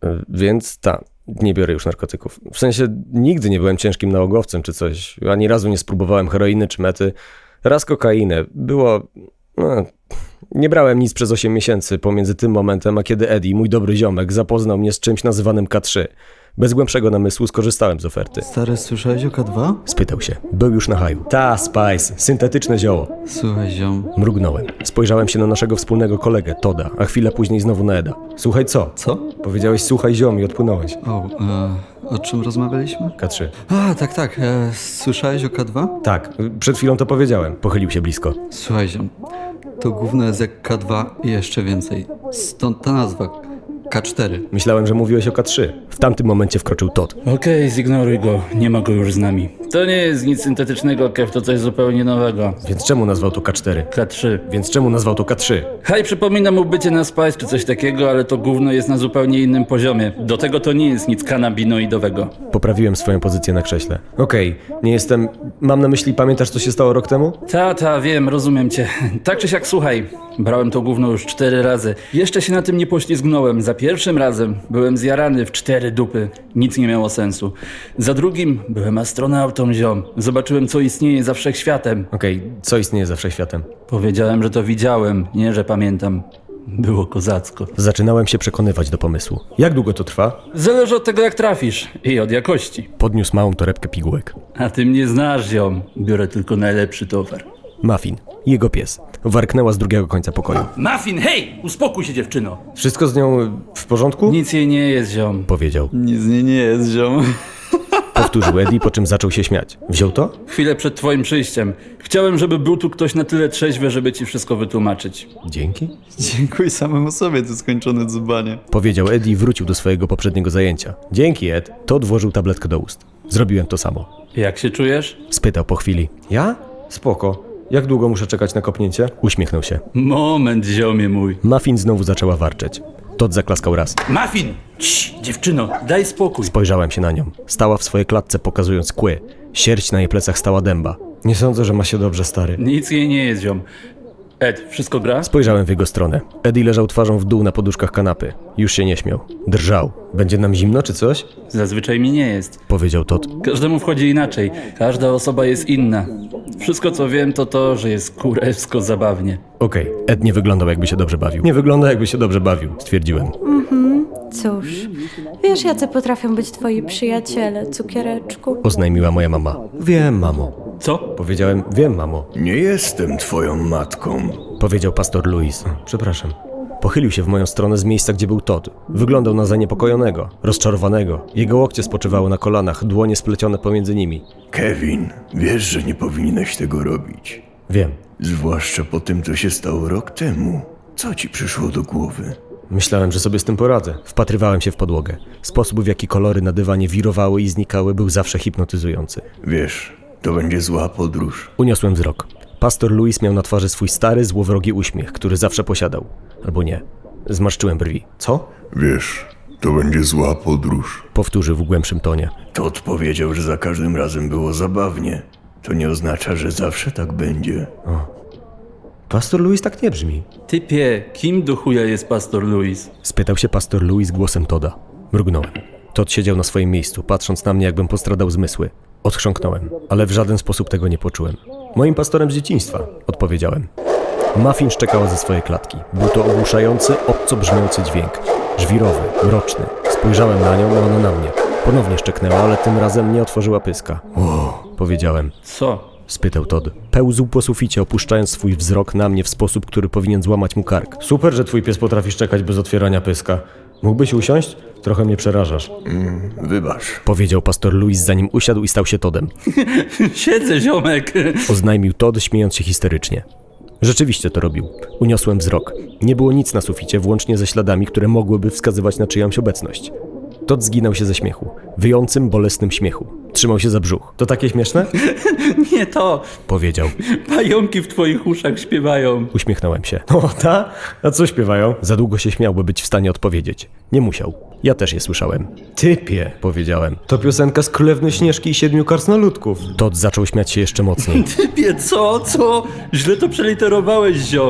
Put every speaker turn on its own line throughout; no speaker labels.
Więc nie biorę już narkotyków. W sensie nigdy nie byłem ciężkim nałogowcem czy coś. Ani razu nie spróbowałem heroiny czy mety. Raz kokainę. Nie brałem nic przez 8 miesięcy pomiędzy tym momentem, a kiedy Eddie, mój dobry ziomek, zapoznał mnie z czymś nazywanym K3. Bez głębszego namysłu skorzystałem z oferty.
Stary, słyszałeś o K2?
Spytał się. Był już na haju. Spice. Syntetyczne zioło.
Słuchaj, ziom.
Mrugnąłem. Spojrzałem się na naszego wspólnego kolegę, Toda, a chwilę później znowu na Eda. Słuchaj co?
Co?
Powiedziałeś słuchaj ziom i odpłynąłeś.
O czym rozmawialiśmy?
K3.
Tak. Słyszałeś o K2?
Tak, przed chwilą to powiedziałem. Pochylił się blisko.
Słuchaj, ziom. To gówno jest jak K2 i jeszcze więcej. Stąd ta nazwa. K4.
Myślałem, że mówiłeś o K3. W tamtym momencie wkroczył Todd.
Okej, zignoruj go. Nie ma go już z nami. To nie jest nic syntetycznego, Kev, to coś zupełnie nowego.
Więc czemu nazwał to K4?
K3.
Więc czemu nazwał to K3?
Haj przypomina mu bycie na Spice czy coś takiego, ale to gówno jest na zupełnie innym poziomie. Do tego to nie jest nic kanabinoidowego.
Poprawiłem swoją pozycję na krześle. Okej, nie jestem... Mam na myśli, pamiętasz co się stało rok temu?
Wiem, rozumiem cię. Tak czy siak, słuchaj. Brałem to gówno już 4 razy. Jeszcze się na tym nie poślizgnąłem. Za pierwszym razem byłem zjarany w 4 dupy. Nic nie miało sensu. Za drugim byłem astronautą, ziom. Zobaczyłem, co istnieje za wszechświatem.
Okej, co istnieje za wszechświatem?
Powiedziałem, że to widziałem, nie że pamiętam. Było kozacko.
Zaczynałem się przekonywać do pomysłu. Jak długo to trwa?
Zależy od tego, jak trafisz i od jakości.
Podniósł małą torebkę pigułek.
A ty mnie znasz, ziom. Biorę tylko najlepszy towar.
Muffin, jego pies, warknęła z drugiego końca pokoju.
Muffin, hej! Uspokój się, dziewczyno!
Wszystko z nią w porządku?
Nic jej nie jest, ziom.
Powiedział.
Nic z niej nie jest, ziom.
Powtórzył Eddie, po czym zaczął się śmiać. Wziął to?
Chwilę przed twoim przyjściem. Chciałem, żeby był tu ktoś na tyle trzeźwy, żeby ci wszystko wytłumaczyć.
Dzięki.
Dziękuj samemu sobie, ty skończone dzbanie.
Powiedział Eddie i wrócił do swojego poprzedniego zajęcia. Dzięki, Ed. Todd włożył tabletkę do ust. Zrobiłem to samo.
Jak się czujesz?
Spytał po chwili. Ja? Spoko. Jak długo muszę czekać na kopnięcie? Uśmiechnął się.
Moment, ziomie mój.
Muffin znowu zaczęła warczeć. Todd zaklaskał raz.
Muffin! Cii, dziewczyno, daj spokój.
Spojrzałem się na nią. Stała w swojej klatce, pokazując kły. Sierść na jej plecach stała dęba. Nie sądzę, że ma się dobrze, stary.
Nic jej nie jest, ziom. Ed, wszystko gra?
Spojrzałem w jego stronę. Eddie leżał twarzą w dół na poduszkach kanapy. Już się nie śmiał. Drżał. Będzie nam zimno czy coś?
Zazwyczaj mi nie jest.
Powiedział Todd.
Każdemu wchodzi inaczej. Każda osoba jest inna. Wszystko, co wiem, to to, że jest kurewsko zabawnie.
Okej. Ed nie wyglądał, jakby się dobrze bawił. Nie wygląda, jakby się dobrze bawił, stwierdziłem.
Cóż, wiesz, jacy potrafią być twoi przyjaciele, cukiereczku?
Oznajmiła moja mama. Wiem, mamo.
Co?
Powiedziałem, wiem, mamo.
Nie jestem twoją matką.
Powiedział pastor Louis. Przepraszam. Pochylił się w moją stronę z miejsca, gdzie był Todd. Wyglądał na zaniepokojonego, rozczarowanego. Jego łokcie spoczywały na kolanach, dłonie splecione pomiędzy nimi.
Kevin, wiesz, że nie powinieneś tego robić.
Wiem.
Zwłaszcza po tym, co się stało rok temu. Co ci przyszło do głowy?
Myślałem, że sobie z tym poradzę. Wpatrywałem się w podłogę. Sposób, w jaki kolory na dywanie wirowały i znikały, był zawsze hipnotyzujący.
Wiesz, to będzie zła podróż.
Uniosłem wzrok. Pastor Louis miał na twarzy swój stary, złowrogi uśmiech, który zawsze posiadał. Albo nie. Zmarszczyłem brwi. Co?
Wiesz, to będzie zła podróż.
Powtórzył w głębszym tonie.
Todd powiedział, że za każdym razem było zabawnie. To nie oznacza, że zawsze tak będzie.
Pastor Louis tak nie brzmi.
Typie, kim do chuja jest pastor Louis?
Spytał się pastor Louis głosem Todda. Mrugnąłem. Todd siedział na swoim miejscu, patrząc na mnie, jakbym postradał zmysły. Odchrząknąłem, ale w żaden sposób tego nie poczułem. Moim pastorem z dzieciństwa, odpowiedziałem. Muffin szczekała ze swojej klatki. Był to ogłuszający, obco brzmiący dźwięk. Żwirowy, mroczny. Spojrzałem na nią, a ona na mnie. Ponownie szczeknęła, ale tym razem nie otworzyła pyska. Powiedziałem.
Co?
Spytał Todd. Pełzł po suficie, opuszczając swój wzrok na mnie w sposób, który powinien złamać mu kark. Super, że twój pies potrafi szczekać bez otwierania pyska. Mógłbyś usiąść? Trochę mnie przerażasz.
Wybacz.
Powiedział pastor Louis, zanim usiadł i stał się Toddem.
Siedzę, ziomek.
Oznajmił Todd, śmiejąc się histerycznie. Rzeczywiście to robił. Uniosłem wzrok. Nie było nic na suficie, włącznie ze śladami, które mogłyby wskazywać na czyjąś obecność. Todd zginął się ze śmiechu. Wyjącym, bolesnym śmiechu. Trzymał się za brzuch. To takie śmieszne?
Nie to.
Powiedział.
Pająki w twoich uszach śpiewają.
Uśmiechnąłem się. O, ta? A co śpiewają? Za długo się śmiał, by być w stanie odpowiedzieć. Nie musiał. Ja też je słyszałem. Typie, powiedziałem. To piosenka z Królewny Śnieżki i 7 krasnoludków. Todd zaczął śmiać się jeszcze mocniej.
Typie, co? Źle to przeliterowałeś, ziom.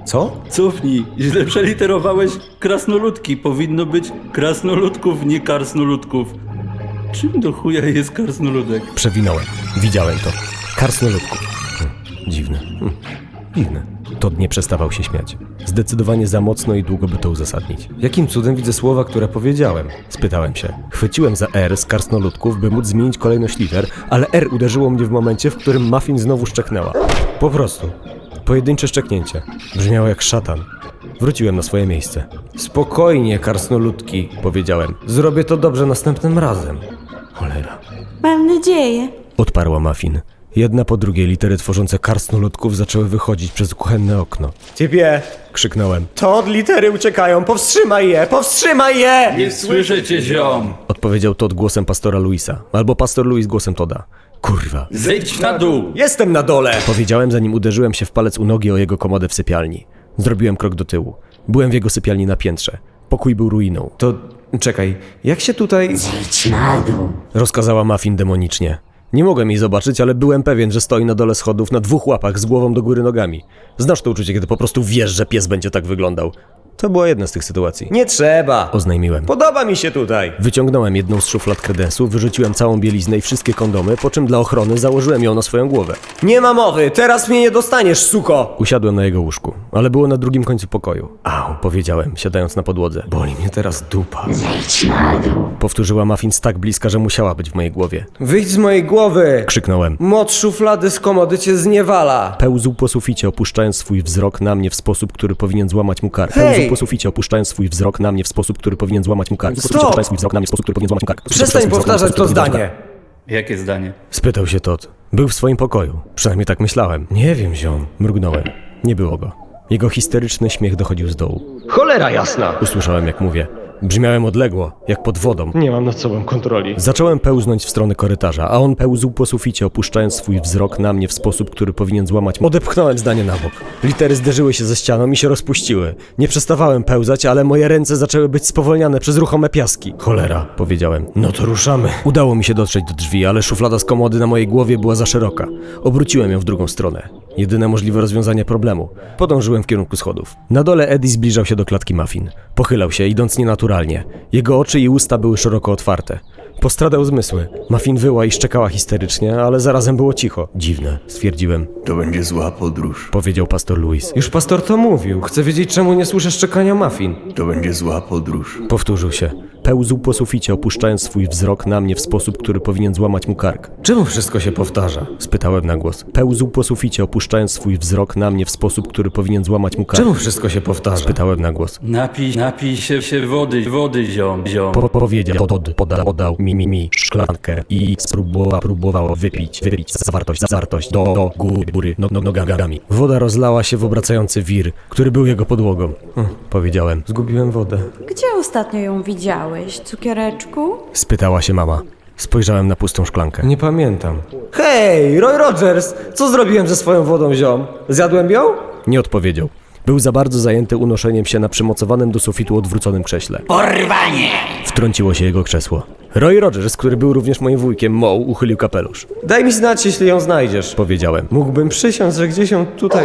Co?
Cofnij, źle przeliterowałeś krasnoludki. Powinno być krasnoludków, nie karsnoludków. Czym do chuja jest karsnoludek?
Przewinąłem. Widziałem to. Karsnoludków. Dziwne. Dziwne. Todd nie przestawał się śmiać. Zdecydowanie za mocno i długo by to uzasadnić. Jakim cudem widzę słowa, które powiedziałem? Spytałem się. Chwyciłem za R z karsnoludków, by móc zmienić kolejność liter, ale R uderzyło mnie w momencie, w którym Muffin znowu szczeknęła. Po prostu. Pojedyncze szczeknięcie. Brzmiało jak szatan. Wróciłem na swoje miejsce. Spokojnie, karsnoludki, powiedziałem. Zrobię to dobrze następnym razem. Cholera.
Mam nadzieję.
Odparła Muffin. Jedna po drugiej litery tworzące karsnoludków zaczęły wychodzić przez kuchenne okno. Typie! Krzyknąłem. To od litery uciekają! Powstrzymaj je! Powstrzymaj je!
Nie słyszę cię, ziom!
Odpowiedział Todd głosem pastora Louisa. Albo pastor Louis głosem Todda. Kurwa.
Zejdź na dół!
Jestem na dole! Powiedziałem, zanim uderzyłem się w palec u nogi o jego komodę w sypialni. Zrobiłem krok do tyłu. Byłem w jego sypialni na piętrze. Pokój był ruiną. To... czekaj, jak się tutaj...
Zejdź na dół.
Rozkazała Muffin demonicznie. Nie mogłem jej zobaczyć, ale byłem pewien, że stoi na dole schodów na 2 łapach z głową do góry nogami. Znasz to uczucie, kiedy po prostu wiesz, że pies będzie tak wyglądał. To była jedna z tych sytuacji. Nie trzeba! Oznajmiłem. Podoba mi się tutaj! Wyciągnąłem jedną z szuflad kredensu, wyrzuciłem całą bieliznę i wszystkie kondomy, po czym dla ochrony założyłem ją na swoją głowę. Nie ma mowy! Teraz mnie nie dostaniesz, suko! Usiadłem na jego łóżku, ale było na drugim końcu pokoju. Au, powiedziałem, siadając na podłodze. Boli mnie teraz dupa.
Zejdź na dół.
Powtórzyła Muffin z tak bliska, że musiała być w mojej głowie.
Wyjdź z mojej głowy!
Krzyknąłem.
Moc szuflady z komody cię zniewala!
Pełzł po suficie, opuszczając swój wzrok na mnie w sposób, który powinien złamać mu kark.
Hej!
Pełzł po suficie, opuszczając swój wzrok na mnie w sposób, który powinien złamać mu kark.
Stop!
Opuszczając swój wzrok na mnie w sposób, który powinien złamać mu kark.
Przestań powtarzać to zdanie!
Jakie zdanie?
Spytał się Todd. Był w swoim pokoju. Przynajmniej tak myślałem. Nie wiem, ziom. Mrugnąłem. Nie było go. Jego histeryczny śmiech dochodził z dołu.
Cholera jasna!
Usłyszałem, jak mówię. Brzmiałem odległo, jak pod wodą.
Nie mam nad sobą kontroli.
Zacząłem pełznąć w stronę korytarza, a on pełzł po suficie, opuszczając swój wzrok na mnie w sposób, który powinien złamać... Odepchnąłem zdanie na bok. Litery zderzyły się ze ścianą i się rozpuściły. Nie przestawałem pełzać, ale moje ręce zaczęły być spowolniane przez ruchome piaski. Cholera, powiedziałem.
No to ruszamy.
Udało mi się dotrzeć do drzwi, ale szuflada z komody na mojej głowie była za szeroka. Obróciłem ją w drugą stronę. Jedyne możliwe rozwiązanie problemu. Podążyłem w kierunku schodów. Na dole Eddie zbliżał się do klatki Muffin. Pochylał się, idąc nienaturalnie. Jego oczy i usta były szeroko otwarte. Postradał zmysły. Muffin wyła i szczekała histerycznie, ale zarazem było cicho. Dziwne, stwierdziłem.
To będzie zła podróż.
Powiedział pastor Louis.
Już pastor to mówił. Chcę wiedzieć, czemu nie słyszę szczekania Muffin.
To będzie zła podróż.
Powtórzył się. Pełzł po suficie, opuszczając swój wzrok na mnie w sposób, który powinien złamać mu kark.
Czemu wszystko się powtarza?
Spytałem na głos. Pełzł po suficie, opuszczając swój wzrok na mnie w sposób, który powinien złamać mu kark.
Czemu wszystko się powtarza?
Spytałem na głos.
Napij się wody, ziom.
Powiedział Todd, podał mi szklankę i próbował wypić zawartość do góry nogami. Woda rozlała się w obracający wir, który był jego podłogą. Powiedziałem.
Zgubiłem wodę.
Gdzie ostatnio ją widziałeś, cukiereczku?
Spytała się mama. Spojrzałem na pustą szklankę.
Nie pamiętam. Hej, Roy Rogers! Co zrobiłem ze swoją wodą, ziom? Zjadłem ją?
Nie odpowiedział. Był za bardzo zajęty unoszeniem się na przymocowanym do sufitu odwróconym krześle.
Porwanie!
Wtrąciło się jego krzesło. Roy Rogers, który był również moim wujkiem, Moe, uchylił kapelusz.
Daj mi znać, jeśli ją znajdziesz.
Powiedziałem.
Mógłbym przysiąc, że gdzieś ją tutaj...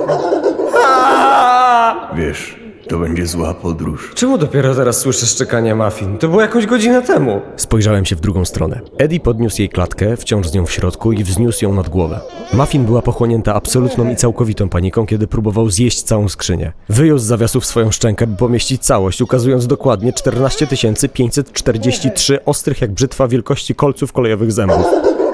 Wiesz, to będzie zła podróż.
Czemu dopiero teraz słyszę szczekanie Muffin? To było jakąś godzinę temu.
Spojrzałem się w drugą stronę. Eddie podniósł jej klatkę, wciąż z nią w środku i wzniósł ją nad głowę. Muffin była pochłonięta absolutną i całkowitą paniką, kiedy próbował zjeść całą skrzynię. Wyjął z zawiasów swoją szczękę, by pomieścić całość, ukazując dokładnie 14 543 ostrych jak brzytwa wielkości kolców kolejowych zębów.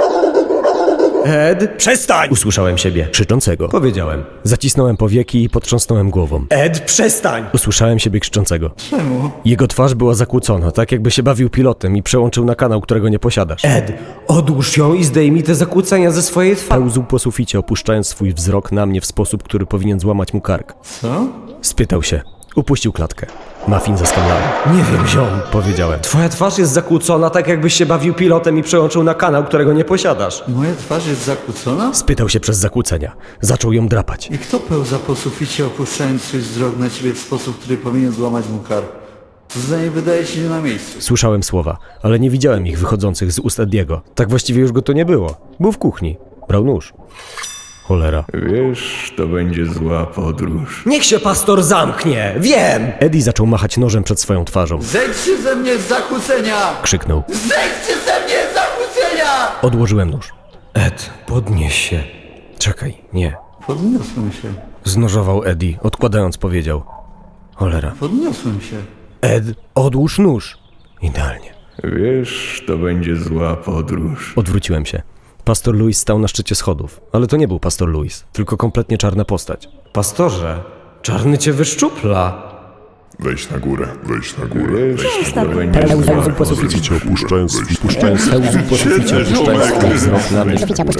Ed?
Przestań! Usłyszałem siebie, krzyczącego.
Powiedziałem.
Zacisnąłem powieki i potrząsnąłem głową.
Ed, przestań!
Usłyszałem siebie krzyczącego.
Czemu?
Jego twarz była zakłócona, tak jakby się bawił pilotem i przełączył na kanał, którego nie posiadasz.
Ed, odłóż ją i zdejmij te zakłócenia ze swojej twarzy.
Pełzł po suficie, opuszczając swój wzrok na mnie w sposób, który powinien złamać mu kark.
Co?
Spytał się. Upuścił klatkę. Muffin zaskamlała.
Nie wiem, ziom.
Powiedziałem.
Twoja twarz jest zakłócona, tak jakbyś się bawił pilotem i przełączył na kanał, którego nie posiadasz.
Moja twarz jest zakłócona?
Spytał się przez zakłócenia. Zaczął ją drapać.
I kto pełza po suficie, opuszczając swój wzrok na ciebie w sposób, który powinien złamać mu kark? To zdanie wydaje się nie na miejscu.
Słyszałem słowa, ale nie widziałem ich wychodzących z ust Ediego. Tak właściwie już go to nie było. Był w kuchni. Brał nóż. Cholera.
Wiesz, to będzie zła podróż.
Niech się pastor zamknie! Wiem!
Eddie zaczął machać nożem przed swoją twarzą.
Zejdźcie ze mnie z zakłócenia!
Krzyknął.
Zejdźcie ze mnie z zakłócenia!
Odłożyłem nóż.
Ed, podnieś się. Czekaj, nie.
Podniosłem się.
Znożował Eddie, odkładając powiedział. Cholera.
Podniosłem się.
Ed, odłóż nóż. Idealnie.
Wiesz, to będzie zła podróż.
Odwróciłem się. Pastor Louis stał na szczycie schodów, ale to nie był pastor Louis, tylko kompletnie czarna postać.
Pastorze, czarny cię wyszczupla.
Wejdź na górę, wejdź na górę.
Wiesz, to będzie zła
Pełzł po
podróż.
suficie, opuszczając
Pełzł po suficie, opuszczając swój wzrok na mnie. Pełzł po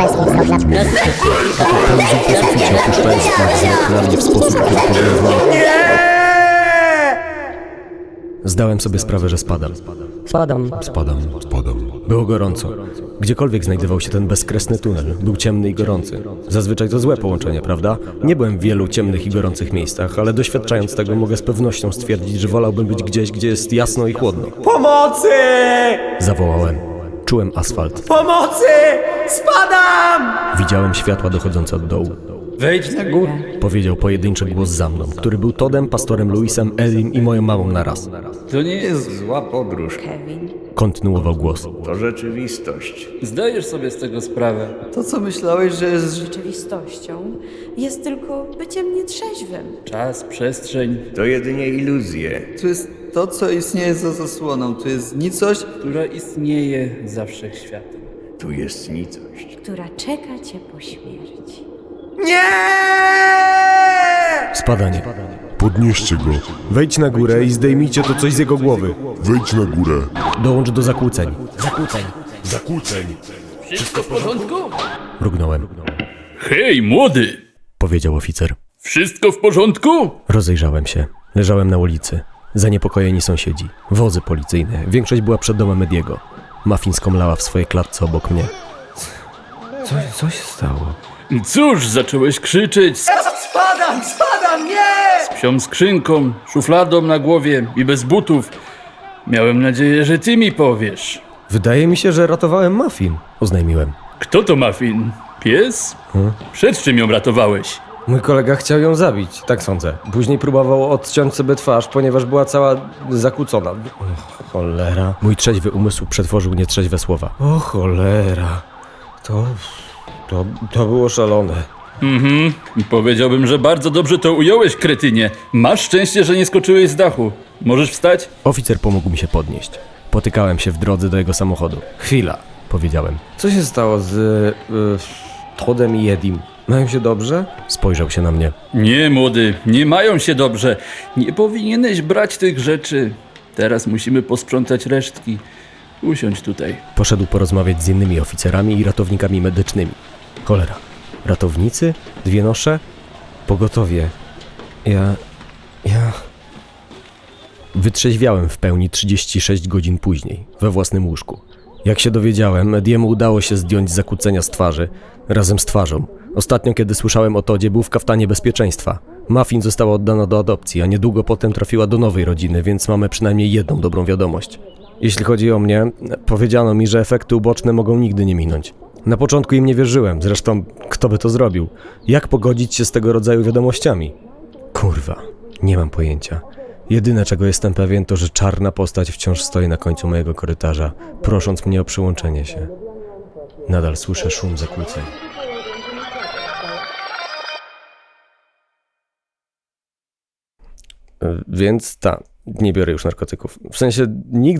suficie, opuszczając swój wzrok na mnie w sposób, który powiązał. Zdałem sobie sprawę, że spadam. Spadam. Było gorąco. Gdziekolwiek znajdował się ten bezkresny tunel, był ciemny i gorący. Zazwyczaj to złe połączenie, prawda? Nie byłem w wielu ciemnych i gorących miejscach, ale doświadczając tego mogę z pewnością stwierdzić, że wolałbym być gdzieś, gdzie jest jasno i chłodno.
Pomocy!
Zawołałem. Czułem asfalt.
Pomocy! Spadam!
Widziałem światła dochodzące od dołu.
Wejdź na górę.
Powiedział pojedynczy głos za mną, który był Toddem, pastorem Louisem, Edim i moją mamą naraz.
To nie jest...
Zła podróż.
Kontynuował głos.
To rzeczywistość.
Zdajesz sobie z tego sprawę.
To, co myślałeś, że jest...
Rzeczywistością jest tylko byciem nietrzeźwym.
Czas, przestrzeń,
To jedynie iluzje.
Tu jest to, co istnieje za zasłoną. Tu jest nicość.
która istnieje za wszechświatem.
Tu jest nicość.
Która czeka cię po śmierci.
Spadanie.
Podnieście go,
Wejdź na górę i zdejmijcie to coś z jego głowy.
wejdź na górę.
Dołącz do zakłóceń.
Zakłóceń.
Wszystko w porządku?
Mrugnąłem.
Hej, młody!
Powiedział oficer.
Wszystko w porządku?
Rozejrzałem się. Leżałem na ulicy. Zaniepokojeni sąsiedzi. Wozy policyjne. Większość była przed domem Ediego. Muffin skomlała w swojej klatce obok mnie.
Co się stało?
Cóż, zacząłeś krzyczeć z
Spadam, nie!
psią skrzynką, szufladą na głowie i bez butów. Miałem nadzieję, że ty mi powiesz.
Wydaje mi się, że ratowałem Muffin. Oznajmiłem.
Kto to Muffin? Pies? Przed czym ją ratowałeś?
Mój kolega chciał ją zabić, tak sądzę. Później próbował odciąć sobie twarz, ponieważ była cała zakłócona. Cholera.
Mój trzeźwy umysł przetworzył nietrzeźwe słowa.
O cholera. To było szalone.
Powiedziałbym, że bardzo dobrze to ująłeś, kretynie. Masz szczęście, że nie skoczyłeś z dachu. Możesz wstać?
Oficer pomógł mi się podnieść. Potykałem się w drodze do jego samochodu. Chwila, powiedziałem.
Co się stało z Toddem i Edim? Mają się dobrze?
Spojrzał się na mnie.
Nie, młody, nie mają się dobrze. Nie powinieneś brać tych rzeczy. Teraz musimy posprzątać resztki. Usiądź tutaj.
Poszedł porozmawiać z innymi oficerami i ratownikami medycznymi. Cholera. Ratownicy? 2 nosze? Pogotowie. Ja... Wytrzeźwiałem w pełni 36 godzin później, we własnym łóżku. Jak się dowiedziałem, Ediemu udało się zdjąć zakłócenia z twarzy, razem z twarzą. Ostatnio, kiedy słyszałem o Toddzie, był w kaftanie bezpieczeństwa. Muffin została oddana do adopcji, a niedługo potem trafiła do nowej rodziny, więc mamy przynajmniej jedną dobrą wiadomość. Jeśli chodzi o mnie, powiedziano mi, że efekty uboczne mogą nigdy nie minąć. Na początku im nie wierzyłem, zresztą kto by to zrobił? Jak pogodzić się z tego rodzaju wiadomościami? Kurwa, nie mam pojęcia. Jedyne, czego jestem pewien, to, że czarna postać wciąż stoi na końcu mojego korytarza, prosząc mnie o przyłączenie się. Nadal słyszę szum zakłóceń. Więc nie biorę już narkotyków. W sensie nigdy